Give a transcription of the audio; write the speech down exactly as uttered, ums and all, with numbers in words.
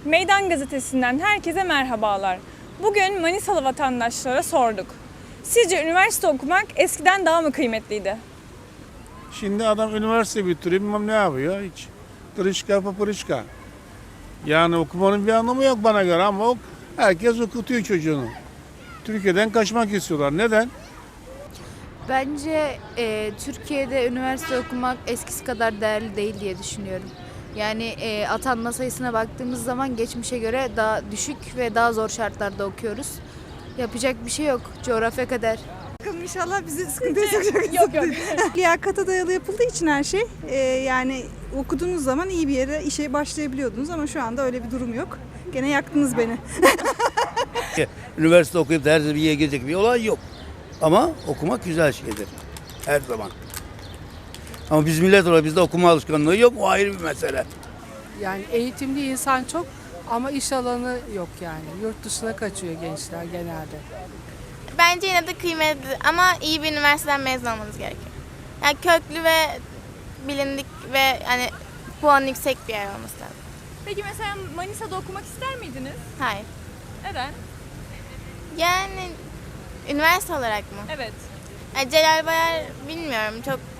Meydan Gazetesi'nden herkese merhabalar. Bugün Manisalı vatandaşlara sorduk. Sizce üniversite okumak eskiden daha mı kıymetliydi? Şimdi adam üniversite bitiriyor, bilmem ne yapıyor hiç. Tırışka papırışka. Yani okumanın bir anlamı yok bana göre ama ok, herkes okutuyor çocuğunu. Türkiye'den kaçmak istiyorlar. Neden? Bence e, Türkiye'de üniversite okumak eskisi kadar değerli değil diye düşünüyorum. Yani e, atanma sayısına baktığımız zaman geçmişe göre daha düşük ve daha zor şartlarda okuyoruz. Yapacak bir şey yok. Coğrafya kader. Bakalım inşallah bizi sıkıntıya sokacak. Yok yok. Liyakata dayalı yapıldığı için her şey e, yani okuduğunuz zaman iyi bir yere işe başlayabiliyordunuz ama şu anda öyle bir durum yok. Gene yaktınız beni. Üniversite okuyup da her bir yere girecek bir olay yok. Ama okumak güzel şeydir. Her zaman. Ama biz millet olarak bizde okuma alışkanlığı yok. O ayrı bir mesele. Yani eğitimli insan çok ama iş alanı yok yani. Yurt dışına kaçıyor gençler genelde. Bence yine de kıymetli ama iyi bir üniversiteden mezun olmanız gerekiyor. Yani köklü ve bilindik ve hani puan yüksek bir yer olması lazım. Peki mesela Manisa'da okumak ister miydiniz? Hayır. Neden? Yani üniversite olarak mı? Evet. Yani Celal Bayar bilmiyorum çok